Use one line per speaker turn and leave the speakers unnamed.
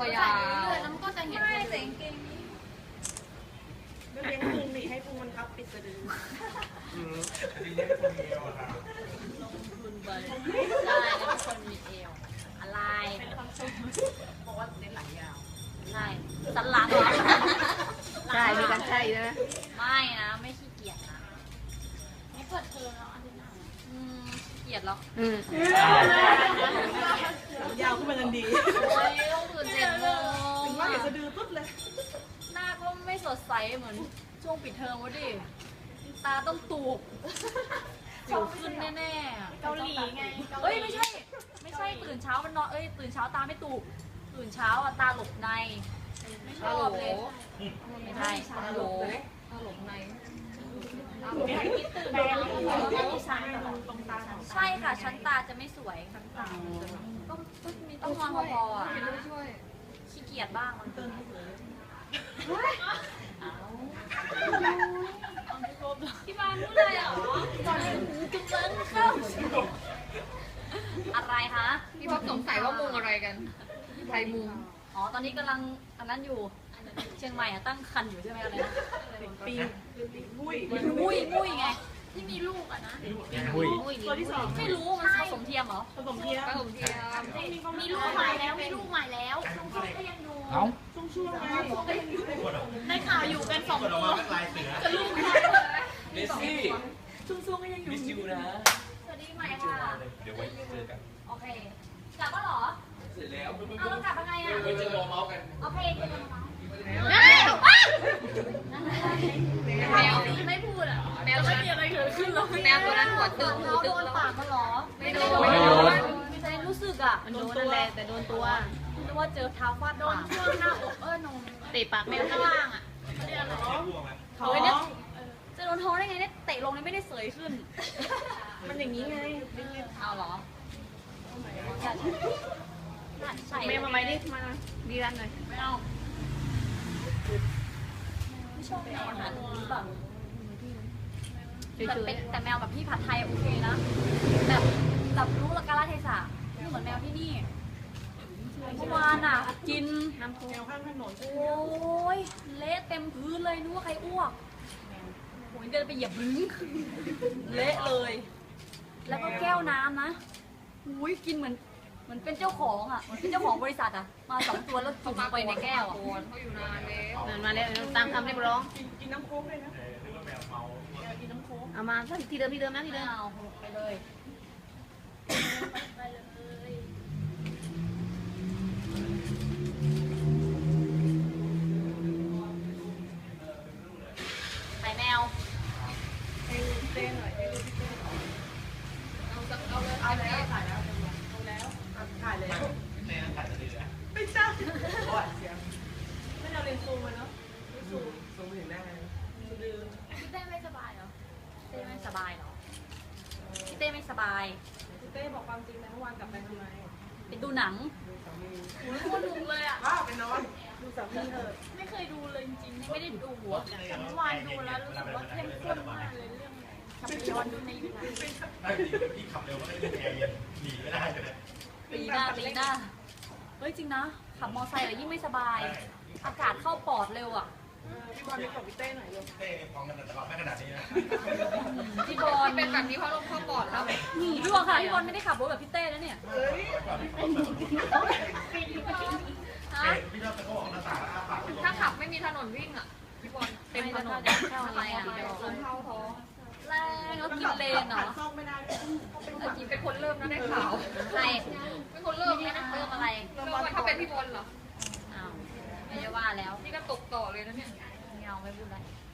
ยาวเรื่อยๆแล้วมันก็จะเห็นไม่แต่งเกงนี้
ก็เลี้ยงพุงดิให้พุงมันทับปิดสะดือ
ดีเลี้ยงคนเดียวอะค่ะ
ลงทุนไปใช่แล้วคนมีเอวอะไรบอกว่าเน้นหลังยาวใช่สันหลังเหรอ
ใช่มีกันใช่นะ
ไม่นะไม่ขี้เกียจนะไม่เปิดเทอมแล้วอาทิตย์หน้าขี้เกียจแล้ว
ยาวขึ้นมาทันดี
โอ้ยต้องตื่น7 โมง
ถึงว่าเห็นสะดือปุ๊บเลย
หน้าก็ไม่สดใสเหมือนช่วงปิดเทอมวะดิตาต้องตูบสิวขึ้นแน่ๆเกาหลีไงเอ้ยไม่ใช่ตื่นเช้ามันนอนตื่นเช้าตาไม่ตูบตื่นเช้าตาหลบในไม่ชอบเลยไม่ใช่ตาหลบในใช่ค่ะชั้นตาจะไม่สวยชั้นตาก็มีต้องนอนพอๆอ่ะขี้เกียจบ้างมันเกินที่บ้านพูดเลยเหรอตอนนี้หูจุ๊บเบิ้งเข้าอะไรคะ
พี่ป๊อปสงสัยว่ามุงอะไรกันใครมุง
อ๋อตอนนี้กำลังอันนั้นอยู่เชียงใหม่ตั้งคันอยู่ใช่ไหมอะไรนะ
ปีมุ้ย
มุ้ยไงที่มีลูกอะนะ
หุ้ย
ตัวที่สอง
ไม่รู้มันผสมเทียมเหรอ
ผสมเทียม
มีลูกใหม่แล้วมีลูกใหม่แล้วช่วงก็ยังอยู่
เอ้า
ช่วงๆไง
ในข่าวอยู่กัน2 ตัว
ลายเสือ
กับลูก
เมสซี่
ช่วงๆก็ยังอยู่
มิสยูนะ
สวัสดีใหม่ค่ะ
เดี๋ยวไว้เจอกัน
โอเคกลับก็หรอ
เสร็จแล้ว
เอาแล้วกลับยังไงอะ
ไว้เจอรอเมาส์กัน
โอเคเจอกันมา
แมว
ไม่พูดอะ
แมวตัวนั้น
อะไรเกิดขึ้นหรอ
แมวตัวนั้นหัวตึงหู
เขา
ตึ
โด
ง
น
แล้ว
ปากมันหรอ
ไม่โดน
ไม่ได้รู้สึกอะ
มันโดนนั่นแหละแต่โดนตัว
นึกว่าเจอเท้าฟาดโดนช่วงหน้าอกนม
เตะปากแมว
ข้างล่างอะ
ท้อง
จะโดนท้องได้ไงเนี่ยเตะลงเลยไม่ได้เสยขึ้น
มันอย่างนี้ไง
เอาเหรอใช่
แมวมาไหมดิมาดีรันหน่อย
ไม่เอาไม่ชอบแมวอาหารนี้แบบ
เฉย
แต่แมวแบบพี่ผัดไทยโอเคนะแบบรู้ละกาลเทศะไม่เหมือนแมวที่นี่เมื่อวานอ่ะกิน
ๆน้ำพุ
แนวข้างถนน
โอ้ยเละเต็มพื้นเลยนึกว่าใครอ้วกโอ้ยเดินไปเหยียบบึ้งเละเลย แล้วก็แก้วน้ำนะอุ้ยกินเหมือนเป็นเจ้าของอ่ะเหมือนเป็นเจ้าของบริษัทอ่ะมา2 ตัวแล้วจุ่มลงไปในแก้วอ่ะ
เขาอยู่นานแล้วนานมาแล้วตามคำเรียกร้อง
กินน้ำโค้กเลยนะ
นึกว่าแมวเมา
กินน้ำโค้ก
เอามาที่เดิมนะที่
ไม่
เดิม
เอาไปเลยไปแมว
ให้เต้นหน่อยให้ดูพี่เต้นหน่อยเอาแล้วถ่ายแล้วเอาแล้วถ่ายแล้ว
ในนั้นถ่ายจะดีแล้ว
ไม่ใช่ไม่เอาเลนส์ซูมมาเนาะซูมถึงหน้าสะดือ
พี่เต้ไม่สบายเหรอพี่เต้ไม่สบายเหรอพี่เต้ไม่สบาย
พี่เต้บอกความจริงนะเมื่อวานกลับไปทำไม
ไปดูหนัง
ดูสามี
โอ้ยโคตรดุเลยอ่ะ
ว้าวเป็นนอนดูสามีเถอะ
ไม่เคยดูเลยจริงๆไม่ได้ดูอ่ะแต่เมื่อวานดูแล้วรู้สึกว่าเข้มข้นมากเลยเรื่องทำไปย้อนดูในยูทูบ
ถ้าจริงพี่ขับเร็วก็ได้ยินแอร์เย็นหนีไม่ได้เลย
ปีหน้าเฮ้ยจริงนะขับมอไซค์อะยิ่งไม่สบาย อากาศเข้าปอดเร็วอ่ะ
พี่บอลไปกับพี่เต้หน่อยเร็ว
เต้ฟ้องกันแต่ว่าไม่ขนาดนี้นะ
พี่บอล
เป็นแบบนี้เพราะลมเข้าปอดแล้ว
พี่บอลค่ะพี่บอลไม่ได้ขับรถแบบพี่เต้นะเนี่ย
เฮ้ย
ฮะ
พี่ชอบตะโกนหน้าต่างแล้วอ้าปาก
ถ้าขับไม่มีถนนวิ่งอ่ะพี่บอล
เต็มถนนอะไรอ่ะ
ลมเข้าท้อง
แรงแล้วกินเลนเหรอ
ซ่อมไม่ได้
จริงเป็นคนเริ่มนะได้ข่าว
ใคร
เป็นคนเริ่ม
ไม่
นะ
ได้เติมอะไร
เริ่มถ้าเป็นพี่บอลเหรอ
อ้าวไม่ได้ว่าแล้ว
นี่ก็ตกต่อเลยนะเนี่ย
ไม่เอาไม่พูดแล้ว